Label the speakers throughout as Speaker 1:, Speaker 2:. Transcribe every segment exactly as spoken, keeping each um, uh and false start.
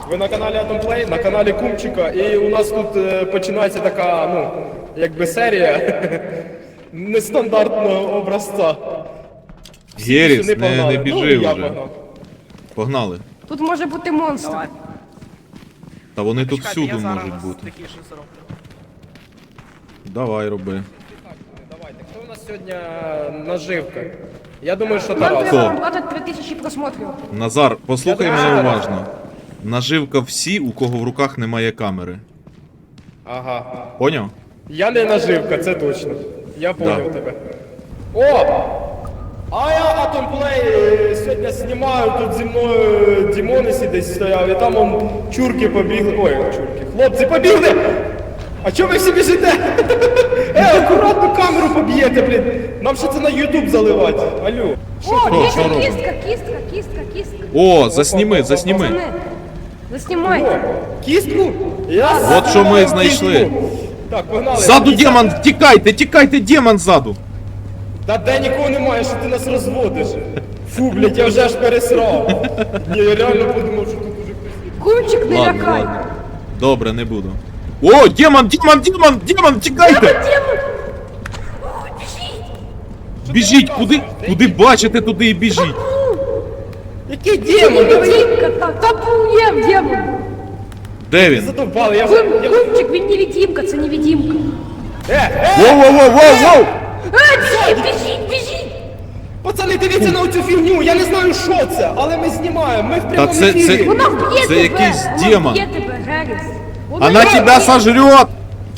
Speaker 1: Ви на каналі Atomplay, на каналі Кумчика, і у нас тут е, починається така, ну, якби серія нестандартного образця.
Speaker 2: Геріс,
Speaker 1: Сюди
Speaker 2: не,
Speaker 1: погнали.
Speaker 2: не біжи
Speaker 1: Ну, і я
Speaker 2: вже.
Speaker 1: погнав.
Speaker 2: Погнали.
Speaker 3: Тут може бути монстр.
Speaker 2: Та вони тут
Speaker 4: Чекайте,
Speaker 2: всюди
Speaker 4: я зараз
Speaker 2: можуть бути.
Speaker 4: такі ж зроблю.
Speaker 2: Давай, роби.
Speaker 1: Давайте, хто у нас сьогодні наживка? Я думаю, що
Speaker 3: Нам
Speaker 1: Тарас.
Speaker 3: треба набрати три тисячі просмотрів.
Speaker 2: Назар, послухай
Speaker 1: Я
Speaker 2: мене
Speaker 1: думаю,
Speaker 2: уважно. Наживка всі, у кого в руках немає камери.
Speaker 1: Ага.
Speaker 2: Поняв?
Speaker 1: Я не наживка, це точно. Я поняв
Speaker 2: Да.
Speaker 1: тебе. О! А я Atomplay сьогодні знімаю, тут зі мною Дімонесі десь стояв, і там он чурки побігли. Ой, чурки. Хлопці побігли! А чого ви всі біжите? Е, акуратно камеру поб'єте, блін. Нам ще це на YouTube заливати. Алло. Що
Speaker 3: О,
Speaker 1: ти?
Speaker 2: що
Speaker 3: кістка,
Speaker 2: робимо?
Speaker 3: кістка, кістка, кістка, кістка.
Speaker 2: О, засніми, засніми.
Speaker 3: Пацани, заснімайте.
Speaker 1: Кістку? Я
Speaker 2: От що ми
Speaker 1: знаю
Speaker 2: знайшли.
Speaker 1: кістку. Так, погнали.
Speaker 2: Ззаду
Speaker 1: Дивіться.
Speaker 2: демон, тікайте, тікайте, демон ззаду.
Speaker 1: Та де нікого немає, що ти нас розводиш? Фу, блядь, я вже аж пересрав. Ні, я реально подумав, що тут уже хтось є.
Speaker 3: Кумчик, не
Speaker 2: Ладно,
Speaker 3: лякай.
Speaker 2: ладно. Добре, не буду. О, демон, демон, демон, демон, тікайте!
Speaker 3: Демон! Ой, біжіть!
Speaker 2: Біжіть, куди, куди бачите, туди і біжіть.
Speaker 1: Який
Speaker 3: Це
Speaker 1: демон? Та ви
Speaker 3: невидимка, та, та був демон.
Speaker 2: Де він?
Speaker 1: задовбали, я вже...
Speaker 3: Кум,
Speaker 1: я-
Speaker 3: Кумчик, він невидимка, це невидимка.
Speaker 1: Е, е,
Speaker 2: Воу, воу, воу, воу, воу!
Speaker 3: Е, біжіть, біжіть, біжіть!
Speaker 1: пацани, дивіться на оцю фігню, я не знаю, що це, але ми знімаємо, ми в прямому
Speaker 2: це-
Speaker 1: ефірі.
Speaker 2: це-
Speaker 3: Вона вб'є
Speaker 2: Це
Speaker 3: тебе!
Speaker 2: якийсь
Speaker 3: Вона
Speaker 2: демон.
Speaker 3: вб'є тебе, Геріс. Вона
Speaker 2: Она
Speaker 3: вб'є
Speaker 2: тебя
Speaker 3: тебе.
Speaker 2: сожрет!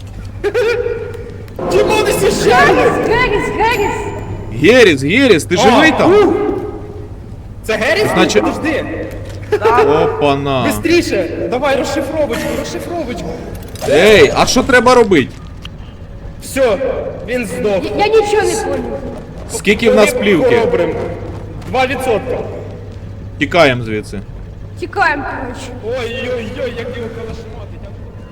Speaker 1: Дімони сіжали!
Speaker 3: Геріс, Геріс, Геріс!
Speaker 2: Геріс, Геріс, ти живий там?
Speaker 1: Це Геріс?
Speaker 2: Значить-
Speaker 1: Подожди.
Speaker 2: Опана.
Speaker 1: Бистріше, давай розшифровочку, розшифровочку.
Speaker 2: Ей, а що треба робити?
Speaker 1: Все, він здох.
Speaker 3: Я нічого не поняв.
Speaker 2: Скільки в нас плівки?
Speaker 1: Хоробрим. Два відсотка.
Speaker 2: Тікаємо звідси.
Speaker 3: Тікаємо, коротше.
Speaker 1: Ой-ой-ой, як його калашматить.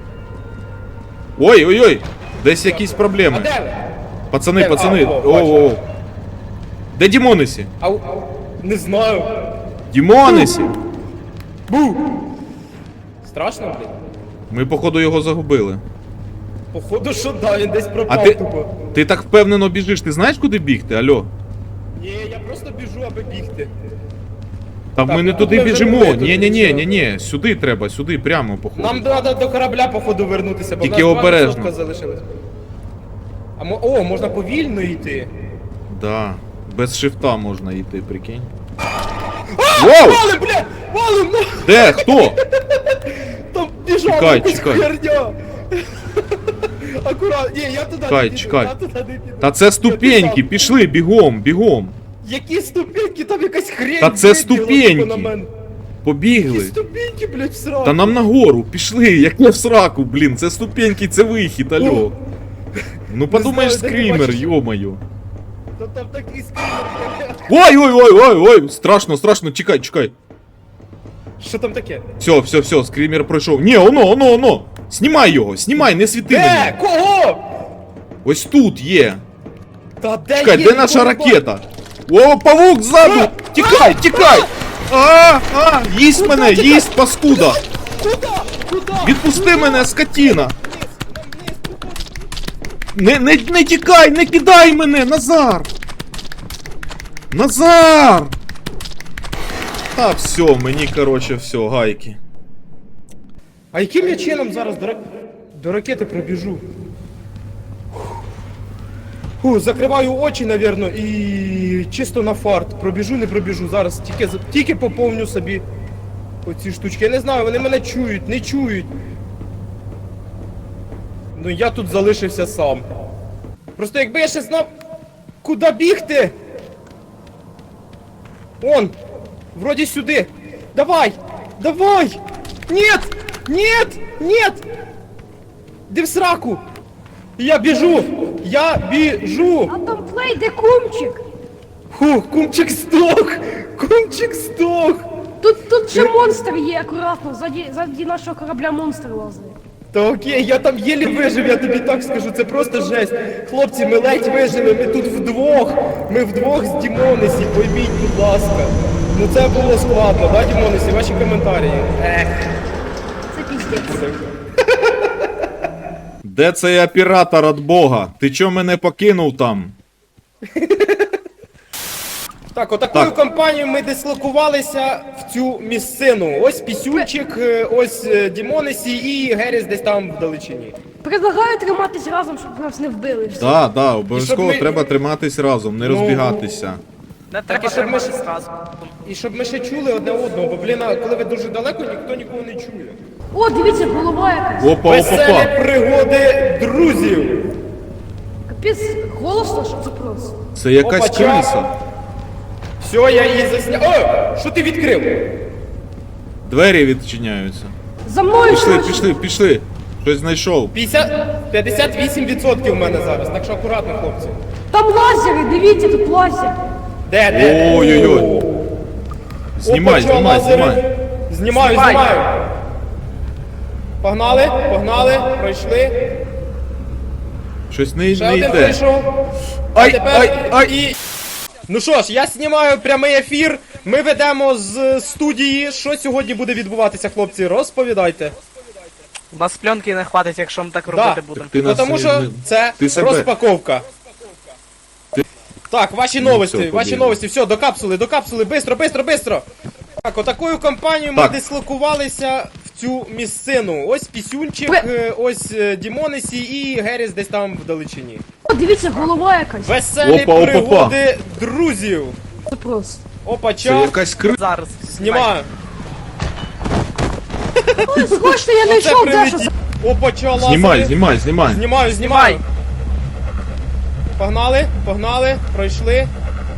Speaker 2: Ой, ой, ой, десь якісь
Speaker 1: А
Speaker 2: проблеми.
Speaker 1: де ви?
Speaker 2: Пацани,
Speaker 1: Де?
Speaker 2: пацани,
Speaker 1: А, о,
Speaker 2: о,
Speaker 1: бачу.
Speaker 2: о. Де Дімонесі?
Speaker 1: Ау, не знаю.
Speaker 2: Дімонесі!
Speaker 1: Бу! Страшно, блін?
Speaker 2: Ми, походу, його загубили.
Speaker 1: Походу, що да, він десь
Speaker 2: А
Speaker 1: пропав
Speaker 2: ти,
Speaker 1: тупо.
Speaker 2: ти так впевнено біжиш, ти знаєш, куди бігти, алло?
Speaker 1: Ні, я просто біжу, аби бігти.
Speaker 2: Та ми не
Speaker 1: тут
Speaker 2: туди
Speaker 1: ми вже
Speaker 2: біжимо.
Speaker 1: були, тут
Speaker 2: Ні, ні, ні,
Speaker 1: нічого.
Speaker 2: ні, ні. Сюди треба, сюди, прямо, походу.
Speaker 1: Нам треба до корабля, походу, вернутися, бо
Speaker 2: Тільки
Speaker 1: в нас два
Speaker 2: обережно.
Speaker 1: відсотка залишилось. А мо... О, можна повільно йти.
Speaker 2: Да. Без шифта можна йти, прикинь. Воу!
Speaker 1: Валим, бля! Валим! Ну!
Speaker 2: Де? Хто?
Speaker 1: Там біжав
Speaker 2: Чекай,
Speaker 1: якась
Speaker 2: чекай.
Speaker 1: херня! Акурат, ні, я туди
Speaker 2: Чекай,
Speaker 1: не піду,
Speaker 2: чекай.
Speaker 1: я туди не піду.
Speaker 2: Та це
Speaker 1: Я
Speaker 2: ступеньки,
Speaker 1: писав,
Speaker 2: пішли, бігом, бігом.
Speaker 1: Які ступеньки, там якась хрень
Speaker 2: Та це
Speaker 1: вибігла,
Speaker 2: ступеньки.
Speaker 1: типу, на мене. Які
Speaker 2: Побігли.
Speaker 1: ступеньки, блядь, в сраку.
Speaker 2: Та нам нагору, пішли, як не в сраку, блін, це ступеньки, це вихід, алло. Ну подумаєш,
Speaker 1: знаю, де ти
Speaker 2: скрімер,
Speaker 1: бачиш.
Speaker 2: йо-моє.
Speaker 1: Та там такий скрімер.
Speaker 2: Ой, ой, ой, ой, ой, страшно, страшно, чекай, чекай.
Speaker 1: Що там таке?
Speaker 2: Все, все, все, скрімер пройшов. Ні, оно, оно, оно. Знімай його, знімай, не світи
Speaker 1: Де?
Speaker 2: мені.
Speaker 1: Кого?
Speaker 2: Ось тут є.
Speaker 1: Та де
Speaker 2: Чекай,
Speaker 1: є?
Speaker 2: де наша
Speaker 1: Нікого не
Speaker 2: ракета? О, павук ззаду!
Speaker 1: А!
Speaker 2: Тікай, тікай! А, а, їсть мене,
Speaker 1: тікай?
Speaker 2: їсть, паскуда!
Speaker 1: бачу. Куда? Куда?
Speaker 2: Відпусти мене, скотіна!
Speaker 1: Вниз, вниз, вниз.
Speaker 2: Не, не, не тікай, не кидай мене, Назар! Назар! Та все, мені, короче, все, гайки.
Speaker 1: А яким я чином зараз до, ра- до ракети пробіжу? Фу, закриваю очі, навірно, і чисто на фарт. Пробіжу, не пробіжу. Зараз тільки, за- тільки поповню собі оці штучки. Я не знаю, вони мене чують, не чують. Ну я тут залишився сам. Просто якби я ще знав, куди бігти. Он! Вроді сюди. Давай! Давай! Нет! Нет! Нет! Де в сраку? Я біжу! Я біжу!
Speaker 3: А там плей, де кумчик?
Speaker 1: Фу, кумчик здох! Кумчик здох!
Speaker 3: Тут, тут ще монстр є, акуратно, ззаді, ззаді нашого корабля монстр лазить.
Speaker 1: Та окей, я там єлі вижив, я тобі так скажу, це просто жесть. Хлопці, ми ледь вижили, ми тут вдвох. Ми вдвох з Дімонесі, пойміть, будь ласка. Ну це було складно, да, Дімонесі, ваші коментарі? Ех.
Speaker 2: Де цей оператор от Бога? Ти чо мене покинув там?
Speaker 1: Так, отакою
Speaker 2: Так.
Speaker 1: компанією ми дислокувалися в цю місцину. Ось Пісюнчик, е, ось е, Дімонесі і Геріс десь там вдалечині.
Speaker 3: Предлагаю триматись разом, щоб нас не вбили. Все.
Speaker 2: Да, да, обов'язково
Speaker 1: І щоб ми-
Speaker 2: треба триматись разом, не
Speaker 1: Ну,
Speaker 2: розбігатися.
Speaker 4: Не
Speaker 1: і
Speaker 4: треба
Speaker 1: щоб ми
Speaker 4: триматись разом.
Speaker 1: І щоб ми ще чули одне одного, бо, блін, а коли ви дуже далеко, ніхто нікого не чує.
Speaker 3: О, дивіться, голова якась.
Speaker 2: Опа, опа,
Speaker 1: Веселі
Speaker 2: опа.
Speaker 1: пригоди друзів.
Speaker 3: Капець, голосно, що це просто.
Speaker 2: Це якась
Speaker 1: Опа, ча.
Speaker 2: криса.
Speaker 1: Все, я її засняв. О, що ти відкрив?
Speaker 2: Двері відчиняються.
Speaker 3: За мною
Speaker 2: Пішли,
Speaker 3: швидше.
Speaker 2: пішли, пішли. Щось знайшов.
Speaker 1: п'ятдесят, п'ятдесят вісім відсотків в мене зараз, так що акуратно, хлопці.
Speaker 3: Там лазери, дивіться, тут лазер.
Speaker 1: Де, де?
Speaker 2: Ой-ой-ой.
Speaker 1: О,
Speaker 2: Знімай,
Speaker 1: опа, чо,
Speaker 2: знімай,
Speaker 1: лазери?
Speaker 2: знімай.
Speaker 1: Знімаю,
Speaker 4: Знімай.
Speaker 1: знімаю. Погнали, погнали, пройшли.
Speaker 2: Щось не,
Speaker 1: Ще
Speaker 2: не
Speaker 1: один
Speaker 2: йде.
Speaker 1: прийшов. А
Speaker 2: Ай,
Speaker 1: тепер
Speaker 2: ай, ай.
Speaker 1: і... Ну що ж, я знімаю прямий ефір. Ми ведемо з студії. Що сьогодні буде відбуватися, хлопці? Розповідайте.
Speaker 4: У нас пленки не хватить, якщо ми так
Speaker 1: Да.
Speaker 4: робити будемо.
Speaker 2: Ти
Speaker 1: Ну,
Speaker 2: нас
Speaker 1: тому
Speaker 2: не-
Speaker 1: що
Speaker 2: не-
Speaker 1: це
Speaker 2: ти себе-
Speaker 1: розпаковка. Так, ваші
Speaker 2: Ну,
Speaker 1: новості,
Speaker 2: все,
Speaker 1: ваші
Speaker 2: побігли.
Speaker 1: новості, все, до капсули, до капсули, бистро, бистро, бистро. Так, отакою компанією ми
Speaker 2: Так.
Speaker 1: дислокувалися в цю місцину. Ось Пісюнчик,
Speaker 3: Ви-
Speaker 1: е, ось е, Дімонесі і Геріс десь там вдалечині.
Speaker 3: О, дивіться, голова якась.
Speaker 1: Веселі
Speaker 2: Опа, опа,
Speaker 1: пригоди друзів.
Speaker 3: Це просто.
Speaker 1: Опа,
Speaker 2: Це
Speaker 1: ча,
Speaker 2: якась криса.
Speaker 4: Зараз.
Speaker 1: знімаю.
Speaker 3: Ой, срочно, я
Speaker 1: Оце
Speaker 3: знайшов дещо.
Speaker 1: прилетів. Опа, ча, лазери.
Speaker 2: Знімай, знімай, знімай.
Speaker 1: Знімаю, знімаю. Погнали, погнали, пройшли.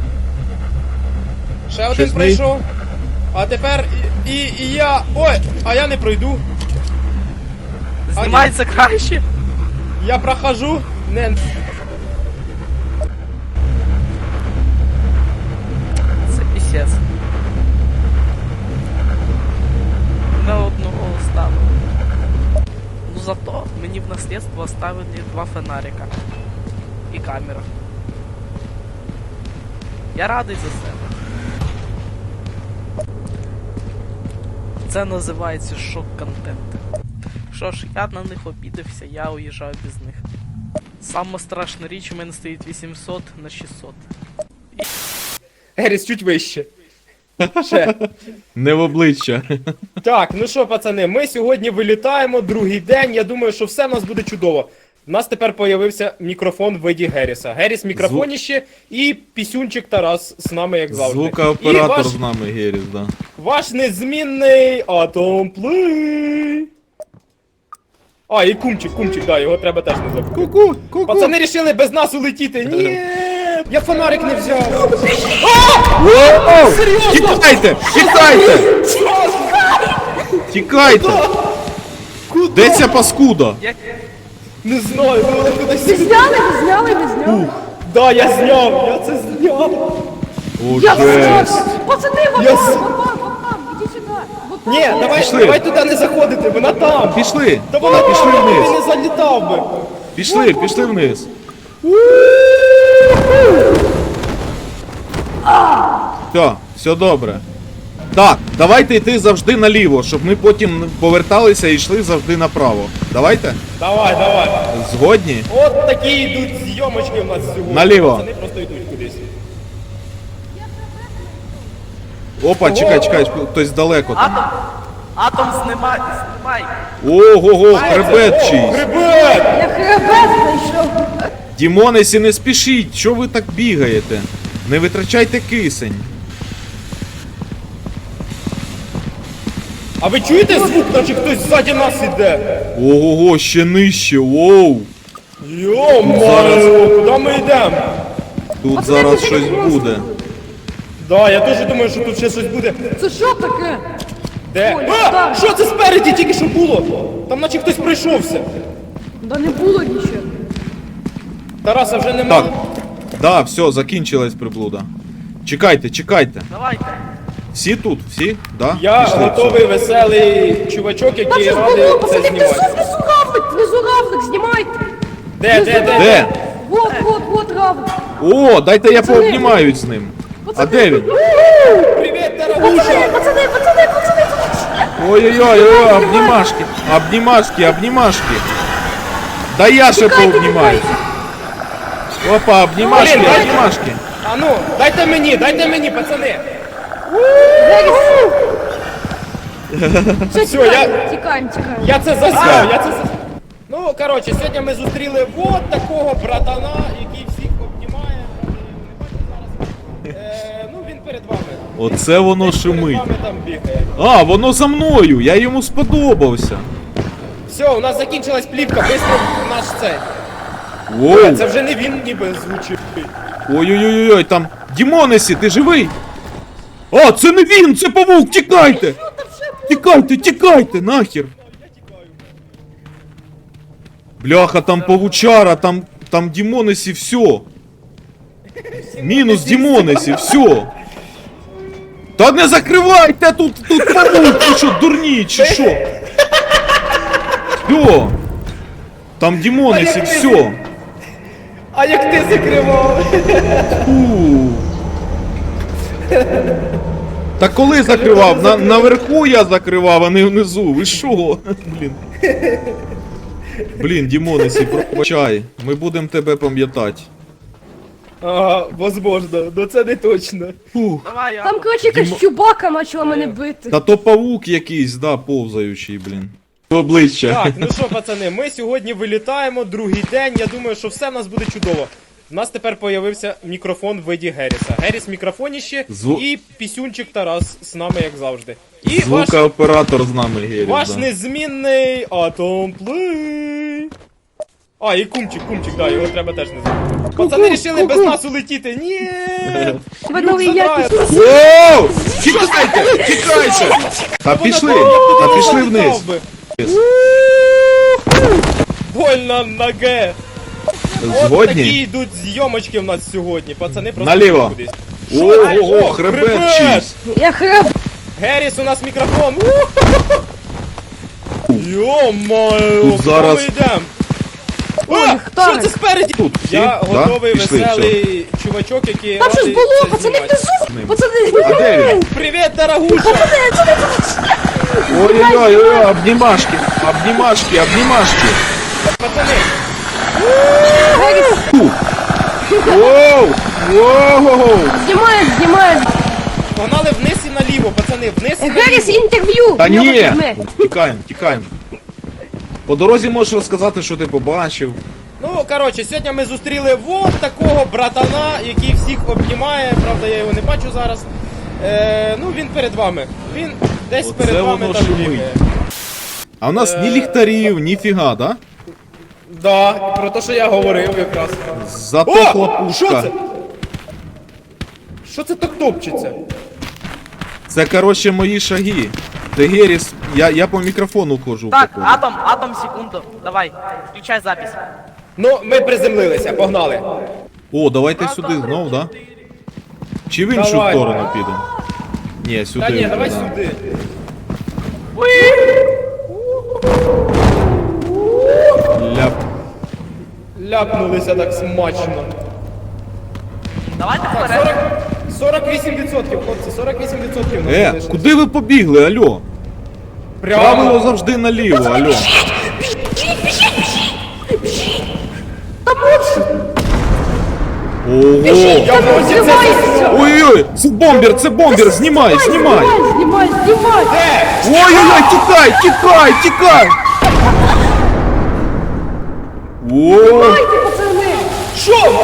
Speaker 1: Ще один
Speaker 2: Щось не-
Speaker 1: пройшов. А тепер і, і, і я. Ой, а я не пройду.
Speaker 4: Знімається краще.
Speaker 1: Я прохожу. Не.
Speaker 4: Це пісець. Не одного оставили. Ну зато мені в наслідство оставили два фонарика. І камера. Я радий за себе. Це називається шок-контент. Що ж, я на них обідався, я уїжджаю без них. Сама страшна річ у мене стоїть вісімсот на шістсот.
Speaker 1: Геріс, чуть вище. Ще.
Speaker 2: Не в обличчя.
Speaker 1: Так, ну що, пацани, ми сьогодні вилітаємо, другий день. Я думаю, що все в нас буде чудово. У нас тепер появився мікрофон в виді Геріса. Геріс мікрофоніще і Пісюнчик Тарас з нами, як завжди.
Speaker 2: Звукооператор
Speaker 1: І ваш,
Speaker 2: з нами, Геріс, да.
Speaker 1: ваш незмінний Атом Плей. А, і кумчик, кумчик, да, його треба теж не забути.
Speaker 2: Ку-ку, ку-ку.
Speaker 1: Пацани рішили без нас улетіти. Ні, я фонарик не взяв.
Speaker 2: О,
Speaker 1: Серйозно?
Speaker 2: тікайте, тікайте, тікайте. Де ця паскуда?
Speaker 4: Як
Speaker 1: Не знаю, вона кудись.
Speaker 3: Ви зняли, ви зняли, ви зняли.
Speaker 1: Да, я зняв, я це зняв.
Speaker 2: О,
Speaker 3: Я
Speaker 2: жесть.
Speaker 3: зняв. Пацани, вот
Speaker 1: Я
Speaker 3: там,
Speaker 1: с-
Speaker 3: вот там, вот там, іди сюди. Вот там.
Speaker 1: Ні, давай,
Speaker 2: Пішли.
Speaker 1: давай туди не заходити, вона там.
Speaker 2: Пішли,
Speaker 1: Та вона
Speaker 2: пішли
Speaker 1: там, ти
Speaker 2: вниз.
Speaker 1: не залітав би.
Speaker 2: Пішли, пішли вниз. Все, все добре. Так, давайте йти завжди наліво, щоб ми потім поверталися і йшли завжди направо. Давайте?
Speaker 1: Давай, давай.
Speaker 2: Згодні?
Speaker 1: От такі йдуть зйомочки в нас сьогодні.
Speaker 2: Наліво.
Speaker 1: Пацани просто йдуть кудись.
Speaker 2: Опа, чекай, чекай, хтось далеко там.
Speaker 4: атом. Атом знімай, знімай.
Speaker 2: Ого-го, хребет
Speaker 1: О,
Speaker 2: чийсь.
Speaker 1: хребет!
Speaker 3: Я хребет знайшов.
Speaker 2: Дімонесі, не спішіть, що ви так бігаєте? Не витрачайте кисень.
Speaker 1: А ви чуєте звук, наче хтось ззаді нас іде?
Speaker 2: Ого-го, ще нижче, воу.
Speaker 1: Йо-моє, куди ми йдемо?
Speaker 2: Тут
Speaker 3: Пацани,
Speaker 2: зараз
Speaker 3: це
Speaker 2: щось
Speaker 3: як монстр.
Speaker 2: буде.
Speaker 1: Да, я теж думаю, що тут ще щось буде.
Speaker 3: Це що таке?
Speaker 1: Де?
Speaker 3: Ой,
Speaker 1: А,
Speaker 3: так.
Speaker 1: що це спереді тільки що було? Там наче хтось прийшовся.
Speaker 3: Да не було нічого.
Speaker 1: Тараса вже нема.
Speaker 2: Так. Да, все, закінчилась приблуда. Чекайте, чекайте.
Speaker 4: Давайте.
Speaker 2: Всі тут, всі? Да?
Speaker 1: Я
Speaker 2: Пішли,
Speaker 1: готовий, веселий чувачок,
Speaker 3: Там
Speaker 1: який
Speaker 3: щось
Speaker 1: радий
Speaker 3: було,
Speaker 1: це
Speaker 3: пацани, внизу,
Speaker 1: знімати.
Speaker 3: внизу равлик, внизу равлик, знімайте.
Speaker 1: Де, де, де?
Speaker 2: Де?
Speaker 3: Вот, вот, вот равлик.
Speaker 2: О, дайте я
Speaker 3: Пацани.
Speaker 2: пообнімаюсь з ним. А
Speaker 3: Пацани,
Speaker 2: де він?
Speaker 1: Привіт,
Speaker 3: Пацани,
Speaker 1: дорогуша!
Speaker 3: пацани, пацани, пацани, пацани.
Speaker 2: Ой-ой-ой, ой, обнімашки, обнімашки, обнімашки. Да я ще
Speaker 3: Тікайте,
Speaker 2: пообнімаюсь. Опа, обнімашки,
Speaker 1: Блін, дайте-
Speaker 2: обнімашки.
Speaker 1: А ну, дайте мені, дайте мені, пацани.
Speaker 3: Все,
Speaker 1: Всё, я-
Speaker 3: тікаємо, тікаємо, тікаємо.
Speaker 1: Я це засняв, я це засняв. Ну, коротше, сьогодні ми зустріли вот такого братана, який всіх обнімає. Е, ну, він перед вами.
Speaker 2: Оце воно
Speaker 1: Перед
Speaker 2: шумить.
Speaker 1: вами там бігає.
Speaker 2: А, воно за мною, я йому сподобався.
Speaker 1: Все, у нас закінчилась плівка, быстро наш цей.
Speaker 2: Воу.
Speaker 1: Це вже не він ніби звучить.
Speaker 2: Ой-ой-ой, там Дімонесі, ти живий? А, це не він, це павук, тікайте! Тікайте, тікайте, нахер! Бляха, там павучара, там, там Дімонесі, все. Мінус Дімонесі, все. Та не закривайте, тут, тут павук, ви що, дурні, чи що? Все. Там Дімонесі, все.
Speaker 1: А як ти закривав?
Speaker 2: Фу. Та коли закривав? На, наверху я закривав, а не внизу. Ви що? Блін. Блін, Дімонесі, пробачай. Ми будемо тебе пам'ятати.
Speaker 1: Ага, возможно, но це не точно.
Speaker 2: Фух.
Speaker 4: Давай, я.
Speaker 3: Там, коротше, якась чубака почала мене бити.
Speaker 2: Та то павук якийсь, да, повзаючий, блін. Обличчя.
Speaker 1: Так, ну що, пацани, ми сьогодні вилітаємо, другий день. Я думаю, що все в нас буде чудово. У нас тепер появився мікрофон в виді Геріса. Геріс в мікрофоніще
Speaker 2: Зву-
Speaker 1: і пісюнчик Тарас з нами, як завжди. І ваш,
Speaker 2: Звукооператор з нами, Геріс,
Speaker 1: ваш
Speaker 2: да.
Speaker 1: незмінний Atom Play. А, і кумчик, кумчик, да, його треба теж не забути. Пацани рішили без нас улетіти. Ні!
Speaker 3: Тебе новий якість.
Speaker 2: Воу! Тікайте! Тікайте! Та пішли! Та пішли вниз!
Speaker 1: Больно ноге! От такі
Speaker 2: Згодні?
Speaker 1: йдуть зйомочки в нас сьогодні, пацани просто
Speaker 2: Наліво.
Speaker 1: кудись.
Speaker 2: Ого, хребет чийсь.
Speaker 3: Я хреб.
Speaker 1: Геріс, у нас мікрофон. Йо-моє,
Speaker 2: Тут зараз-
Speaker 1: ми йдемо.
Speaker 3: Ой,
Speaker 1: А,
Speaker 3: хто
Speaker 1: що
Speaker 3: ви?
Speaker 1: це спереді?
Speaker 2: Тут всі,
Speaker 1: Я
Speaker 2: да?
Speaker 1: готовий,
Speaker 2: Пішли,
Speaker 1: веселий чувачок, який
Speaker 3: Там щось
Speaker 1: радий
Speaker 3: було,
Speaker 1: це
Speaker 3: пацани,
Speaker 1: знімати.
Speaker 3: внизу. Пацани,
Speaker 2: А де він?
Speaker 1: Привіт, дорогуша!
Speaker 2: Ой-ой-ой, обнімашки, обнімашки, обнімашки.
Speaker 1: Пацани,
Speaker 2: Воу! Воу!
Speaker 3: знімає, знімає.
Speaker 1: погнали вниз і наліво, пацани, вниз і
Speaker 3: Геріс,
Speaker 1: наліво.
Speaker 3: інтерв'ю.
Speaker 2: Та
Speaker 3: в нього
Speaker 2: ні!
Speaker 3: візьме.
Speaker 2: Тікаємо, тікаємо. По дорозі можеш розказати, що ти побачив.
Speaker 1: Ну, коротше, сьогодні ми зустріли вот такого братана, який всіх обнімає. Правда, я його не бачу зараз. Е, ну, він перед вами. Він десь
Speaker 2: Оце
Speaker 1: перед вами
Speaker 2: воно
Speaker 1: там
Speaker 2: шумить.
Speaker 1: бігає.
Speaker 2: А у нас ні
Speaker 1: Е.
Speaker 2: ліхтарів, ні фіга, да?
Speaker 1: Да, про те, що я говорив якраз.
Speaker 2: Зато
Speaker 1: О! Що
Speaker 2: хлопушка.
Speaker 1: це? Що це так топчеться?
Speaker 2: Це, коротше, мої шаги. Ти Геріс, я, я по мікрофону ходжу.
Speaker 4: Так,
Speaker 2: походу.
Speaker 4: Атом, Атом, секунду. Давай, включай запись.
Speaker 1: Ну, ми приземлилися, погнали.
Speaker 2: О, давайте сюди знов, да? Чи в іншу
Speaker 1: Давай.
Speaker 2: сторону підемо? Ні, сюди.
Speaker 1: Та ні,
Speaker 2: вже,
Speaker 1: давай
Speaker 2: да.
Speaker 1: сюди.
Speaker 2: Ляп.
Speaker 1: Ляпнулися так смачно.
Speaker 4: Давайте
Speaker 1: Так,
Speaker 4: вперед.
Speaker 1: сорок, сорок вісім відсотків, хлопці, сорок вісім відсотків нас
Speaker 2: Е,
Speaker 1: залишилось.
Speaker 2: куди ви побігли, алло? Правило завжди наліво, алло. Ого!
Speaker 1: Я в роті це...
Speaker 3: Знімається.
Speaker 2: Ой-ой, це бомбер, це бомбер, знімай, знімай!
Speaker 3: Знімай, знімай.
Speaker 1: Де?
Speaker 2: Ой-ой-ой, тікай, тікай, тікай! О,
Speaker 3: Знімайте, пацани.
Speaker 1: Що?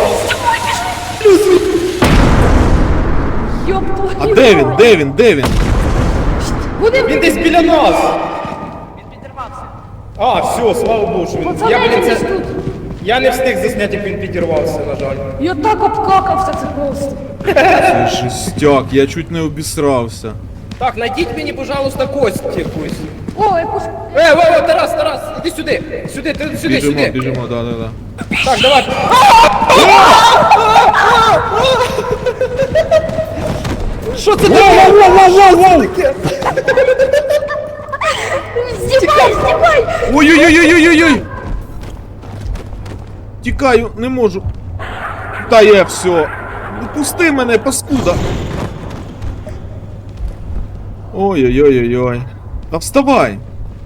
Speaker 3: Йоп
Speaker 2: а
Speaker 3: твою
Speaker 2: де він,
Speaker 3: мать.
Speaker 2: де він, де він?
Speaker 3: Вони
Speaker 1: Він десь біля нас.
Speaker 4: Він підірвався.
Speaker 1: А, все, слава Богу, що він...
Speaker 3: Пацани,
Speaker 1: Я, блін,
Speaker 3: десь
Speaker 1: це...
Speaker 3: тут.
Speaker 1: Я не встиг засняти, як він підірвався, на жаль.
Speaker 3: Я так обкакався, це просто.
Speaker 2: Це жестяк, я чуть не обісрався.
Speaker 1: Так, найдіть мені, пожалуйста, кость якусь.
Speaker 3: О, якусь...
Speaker 1: Е, о, о, Тарас, Тарас, іди сюди. Сюди, ти, сюди,
Speaker 2: Біжимо,
Speaker 1: сюди.
Speaker 2: біжимо, да, да, да.
Speaker 1: Так, давай. Що це таке? таке?
Speaker 3: Знімай, знімай.
Speaker 2: Ой-ой-ой-ой-ой-ой! Тікаю, не можу. Та є все. Пусти мене, паскуда. Ой-ой-ой-ой-ой. Та вставай!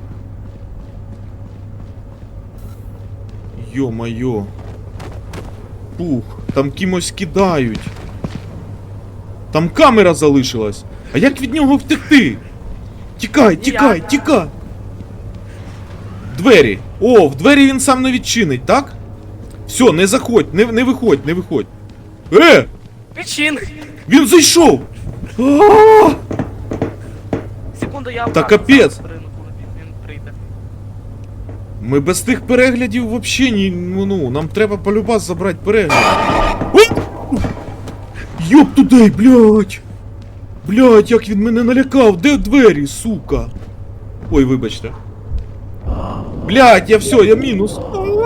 Speaker 2: Йо-майо. Пух, там кимось кидають. Там камера залишилась. А як від нього втекти? Тікай, тікай, тікай! Двері. О, в двері він сам не відчинить, так? Все, не заходь, не, не виходь, не виходь. Е!
Speaker 4: Причин!
Speaker 2: Він зайшов! А!
Speaker 4: Секунду, я
Speaker 2: Та
Speaker 4: обратно
Speaker 2: капець.
Speaker 4: зараз прийду, коли він- він прийде.
Speaker 2: Ми без тих переглядів вообще ні, ну, ну, нам треба полюбас забрати перегляд. Ой! Йоп туди, блядь! Блядь, як він мене налякав! Де двері, сука? Ой, вибачте. Блядь, я все, я мінус.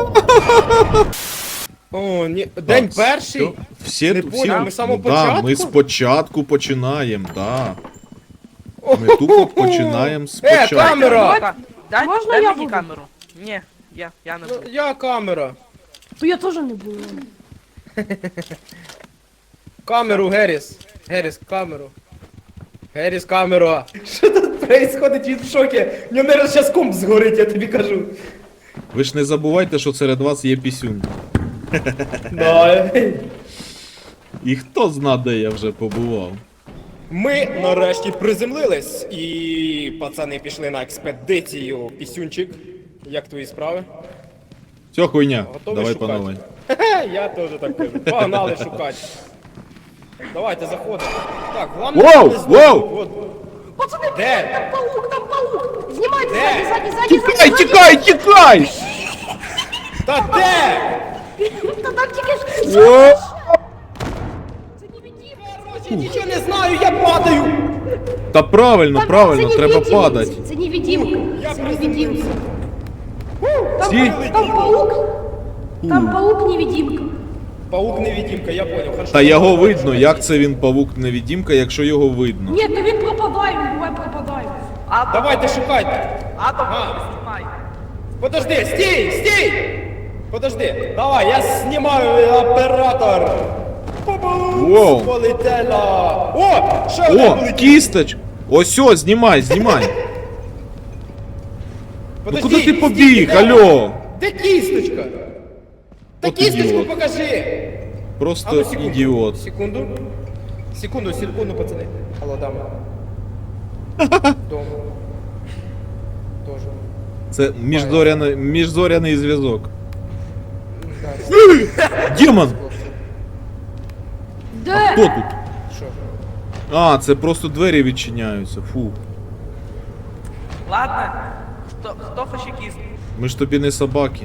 Speaker 1: О, ні. День
Speaker 2: Так,
Speaker 1: перший.
Speaker 2: всьо. Всі,
Speaker 1: Не
Speaker 2: всі,
Speaker 1: поняв, ми з самого
Speaker 2: ну, да,
Speaker 1: початку?
Speaker 2: ми спочатку починаємо, да. Ми тупо починаємо
Speaker 1: Е,
Speaker 2: спочатку.
Speaker 1: камера!
Speaker 4: Дай, дай,
Speaker 3: Можна
Speaker 4: дай
Speaker 3: я
Speaker 4: мені
Speaker 3: буду?
Speaker 4: камеру. Ні, я, я не буду.
Speaker 1: Я камера.
Speaker 3: То я теж не буду.
Speaker 1: Камеру, Геріс. Геріс, камеру. Геріс, камера. Що тут происходить? Він в шокі. В нього, наверное, зараз комп згорить, я тобі кажу.
Speaker 2: Ви ж не забувайте, що серед вас є пісюн.
Speaker 1: Да.
Speaker 2: І хто зна, де я вже побував.
Speaker 1: Ми нарешті приземлились, і пацани пішли на експедицію. Пісюнчик, як твої справи?
Speaker 2: Все, хуйня.
Speaker 1: Готові
Speaker 2: Давай
Speaker 1: шукати?
Speaker 2: панове.
Speaker 1: Хе-хе, я теж так кажу. Погнали шукати. Давайте заходимо. Так, головне,
Speaker 2: Воу,
Speaker 1: не здохнути.
Speaker 2: воу!
Speaker 1: От.
Speaker 3: Пацани,
Speaker 1: Де?
Speaker 3: там паук, там паук! Знімайте
Speaker 1: Де?
Speaker 3: ззаді, ззаді, ззаді,
Speaker 2: Тікай,
Speaker 3: ззаді!
Speaker 2: тікай, тікай!
Speaker 1: Та де?
Speaker 3: Та там тільки ж...
Speaker 2: О!
Speaker 3: Це невидимка!
Speaker 1: Я нічого не знаю, я падаю.
Speaker 2: Та правильно,
Speaker 3: Там-
Speaker 2: правильно,
Speaker 3: це
Speaker 2: треба
Speaker 3: невидимка,
Speaker 2: падати.
Speaker 3: Це невидимка.
Speaker 1: Я
Speaker 3: Це невидимка. Там,
Speaker 2: Всі?
Speaker 3: там паук. Там паук невидимка.
Speaker 1: Паук невидимка, я понял. Хорошо.
Speaker 2: Та його видно, як це він павук невидимка, якщо його видно.
Speaker 3: Ні, то він пропадає, він буває пропадає.
Speaker 4: Атом,
Speaker 1: Давайте шукайте.
Speaker 4: атом,
Speaker 1: А.
Speaker 4: знімай.
Speaker 1: Подожди, стій, стій! Подожди, давай, я знімаю оператор.
Speaker 2: Воу.
Speaker 1: Бабусь, полетела. О, ще одна
Speaker 2: О,
Speaker 1: полетіла.
Speaker 2: кісточ! Ось, о, знімай, знімай. Ну
Speaker 1: Подожди,
Speaker 2: куди ти
Speaker 1: стій,
Speaker 2: побіг,
Speaker 1: де?
Speaker 2: алло?
Speaker 1: Де кісточка? Та
Speaker 2: От
Speaker 1: кісточку
Speaker 2: ідіот.
Speaker 1: покажи. А
Speaker 2: Просто
Speaker 1: ну, секунду,
Speaker 2: ідіот.
Speaker 1: Секунду. Секунду, секунду, пацани. Алло, дама. Дома. Тоже.
Speaker 2: Це міжзоряний, міжзоряний зв'язок.
Speaker 1: Да,
Speaker 2: Демон!
Speaker 3: Де?
Speaker 2: Хто тут?
Speaker 1: що?
Speaker 2: А, це просто двері відчиняються. Фу.
Speaker 4: Ладно, хто, хто хоче кіст?
Speaker 2: Ми ж тобі не собаки.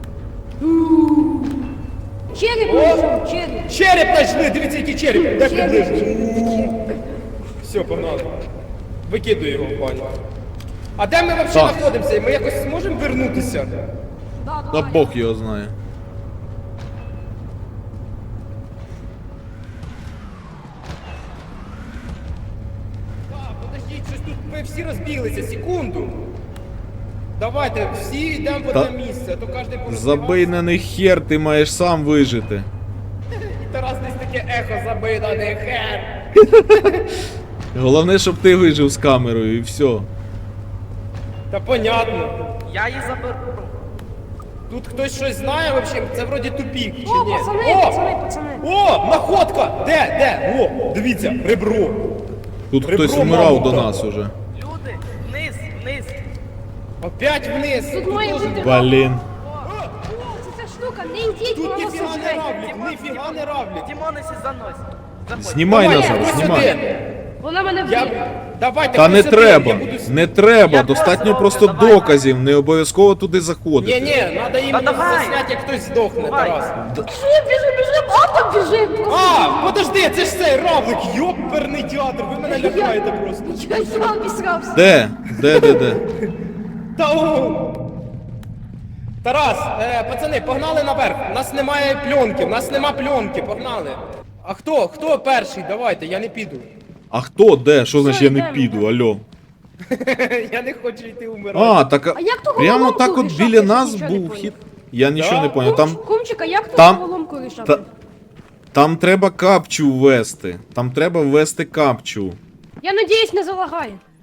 Speaker 3: Череп знайшов, череп.
Speaker 1: Череп знайшли, дивіться, який череп. Де
Speaker 3: Череп.
Speaker 1: приближиш? Все, погнали. Викидуй його в баню. А де ми взагалі
Speaker 2: Так.
Speaker 1: знаходимося? Ми якось зможемо вернутися?
Speaker 3: Да,
Speaker 2: Та
Speaker 3: давай.
Speaker 2: Бог його знає.
Speaker 1: Так, подождіть, щось тут ми всі розбіглися, секунду. Давайте, всі йдемо в
Speaker 2: Та-
Speaker 1: одне місце, а то кожен порозбігався.
Speaker 2: Забий на них хер, ти маєш сам вижити.
Speaker 1: І Тарас десь таке ехо забий на них хер.
Speaker 2: Головне, щоб ти вижив з камерою і все.
Speaker 1: Та понятно.
Speaker 4: Я її заберу.
Speaker 1: Тут хтось щось знає взагалі? Це вроді тупік, чи
Speaker 3: О,
Speaker 1: ні?
Speaker 3: пацани,
Speaker 1: О!
Speaker 3: пацани, пацани.
Speaker 1: О, находка! Де, де? О, дивіться, ребро.
Speaker 2: Тут
Speaker 1: Ребро
Speaker 2: хтось вмирав
Speaker 1: мамонта.
Speaker 2: до нас уже.
Speaker 4: Люди, вниз, вниз.
Speaker 1: Опять вниз.
Speaker 3: Тут має
Speaker 1: теж-
Speaker 3: бути-
Speaker 2: Блін.
Speaker 3: Це ця штука, не йдіть,
Speaker 1: Тут
Speaker 3: вона нас
Speaker 1: ніфіга не
Speaker 3: сожре.
Speaker 1: равлять, ніфіга не равлять.
Speaker 4: Дімонесі занось. Заходь.
Speaker 2: Знімай
Speaker 1: Давай,
Speaker 2: назад,
Speaker 1: ось
Speaker 2: знімай.
Speaker 1: сюди.
Speaker 3: Вона мене вб'є.
Speaker 1: Я... Давайте,
Speaker 2: Та не
Speaker 1: хтось один,
Speaker 2: треба,
Speaker 1: я буду с-
Speaker 2: не треба,
Speaker 4: Я
Speaker 2: достатньо
Speaker 4: просто
Speaker 2: просто
Speaker 4: роблю, давай.
Speaker 2: доказів, не обов'язково туди
Speaker 1: Ні,
Speaker 2: заходити.
Speaker 1: ні, треба іменно
Speaker 4: давай.
Speaker 1: засняти, як хтось здохне,
Speaker 4: Давай.
Speaker 1: Тарас.
Speaker 3: Біжим, біжим, біжим, атом біжим.
Speaker 1: А, подожди, це ж цей равлик, йоперний театр, ви мене лякаєте просто.
Speaker 3: Я сам обісрався.
Speaker 2: Де? Де, де, де?
Speaker 1: Та о! Тарас, е, пацани, погнали наверх. У нас немає пленки, у нас нема пленки, погнали. А хто? Хто перший? Давайте, я не піду.
Speaker 2: А хто де? Що значить я не
Speaker 3: йдемо,
Speaker 2: піду, алло?
Speaker 1: Я не хочу йти умирати.
Speaker 2: А, так а-
Speaker 3: А як то
Speaker 2: прямо
Speaker 3: головоломку
Speaker 2: так от
Speaker 3: рішати?
Speaker 2: біля
Speaker 3: Я
Speaker 2: нас
Speaker 3: нічого не
Speaker 2: був
Speaker 3: поняла.
Speaker 2: хід. Я нічого не поняв. Там,
Speaker 3: Кумчика, як тут
Speaker 2: там-
Speaker 3: головоломку рішати?
Speaker 2: та- там треба капчу ввести. Там треба ввести капчу.
Speaker 3: Я надіюсь, не залагає.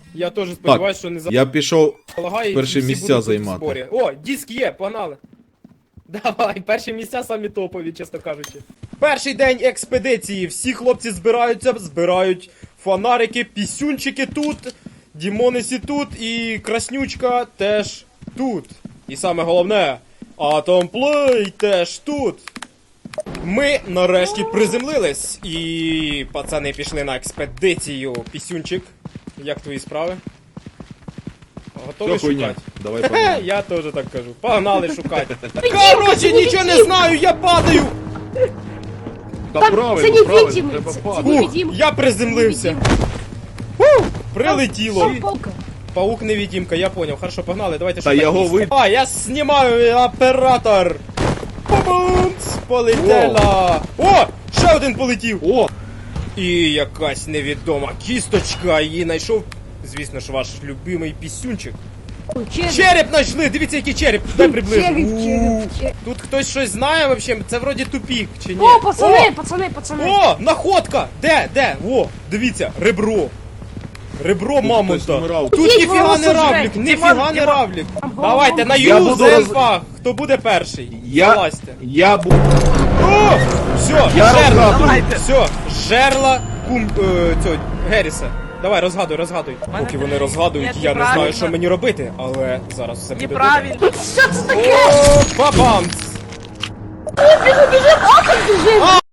Speaker 1: Я теж сподіваюся, що не
Speaker 2: Я пішов
Speaker 1: залагає. і
Speaker 2: перші
Speaker 1: всі
Speaker 2: місця
Speaker 1: будуть тут в
Speaker 2: займати.
Speaker 1: зборі. О, диск є, погнали. Давай, перші місця самі топові, чесно кажучи. Перший день експедиції. Всі хлопці збираються, збирають фонарики, пісюнчики тут, Дімонесі тут і Краснючка теж тут. І саме головне, Атомплей теж тут. Ми нарешті приземлились і пацани пішли на експедицію. Пісюнчик, як твої справи? Готовий
Speaker 2: Все хуйня.
Speaker 1: шукати?
Speaker 2: Давай
Speaker 1: Хе,
Speaker 2: погнали.
Speaker 1: я теж так кажу. Погнали шукати. Короче, нічого не знаю, я падаю.
Speaker 2: Та
Speaker 3: Так,
Speaker 2: правильно,
Speaker 3: це
Speaker 2: правильно,
Speaker 3: невидимий,
Speaker 2: треба
Speaker 3: це-
Speaker 2: падати.
Speaker 3: це
Speaker 1: Ух,
Speaker 3: невидимка.
Speaker 1: я приземлився. Фу, прилетіло.
Speaker 3: Там полка.
Speaker 1: Паук невидимка, я поняв. Хорошо, погнали, давайте
Speaker 2: Та
Speaker 1: шукати
Speaker 2: його
Speaker 1: місце.
Speaker 2: вид-
Speaker 1: А, я знімаю оператор. Бабунц, полетела. О, ще один полетів.
Speaker 2: О!
Speaker 1: І якась невідома кісточка. Її знайшов, звісно ж, ваш любимий пісюнчик.
Speaker 3: Ой, череп.
Speaker 1: Череп знайшли! Дивіться, який череп! Дай приближу.
Speaker 3: Череп,
Speaker 1: У.
Speaker 3: череп, череп.
Speaker 1: Тут хтось щось знає вообще? Це вроді тупік, чи ні?
Speaker 3: О, пацани, пацани, пацани.
Speaker 1: О, находка! Де, де? О, дивіться, ребро. Ребро
Speaker 2: хтось
Speaker 1: мамонта.
Speaker 2: вмирав.
Speaker 1: Тут
Speaker 3: Ідіть,
Speaker 1: ніфіга
Speaker 3: волосся
Speaker 1: не равлік,
Speaker 3: жрать.
Speaker 1: ніфіга
Speaker 4: Дімон,
Speaker 1: не
Speaker 4: Дімон.
Speaker 1: равлік.
Speaker 3: Там
Speaker 1: Давайте на
Speaker 2: Я
Speaker 1: ю
Speaker 2: буду
Speaker 1: з
Speaker 2: роз-
Speaker 1: ельфа. Хто буде перший?
Speaker 2: Я,
Speaker 1: Залазьте.
Speaker 2: я був...
Speaker 1: О, все,
Speaker 2: Я
Speaker 1: жерла.
Speaker 2: розгадую.
Speaker 4: Давайте.
Speaker 1: Все, жерла кум е, цього Геріса. Давай, розгадуй, розгадуй.
Speaker 4: Мене
Speaker 1: Поки вони
Speaker 4: не-
Speaker 1: розгадують,
Speaker 4: Ні,
Speaker 1: я не знаю,
Speaker 4: неправильно.
Speaker 1: що мені робити, але зараз все буде добре.
Speaker 4: Неправильно.
Speaker 3: Що це таке?
Speaker 1: О, бабамц!
Speaker 3: Біжи, біжи, а, біжи.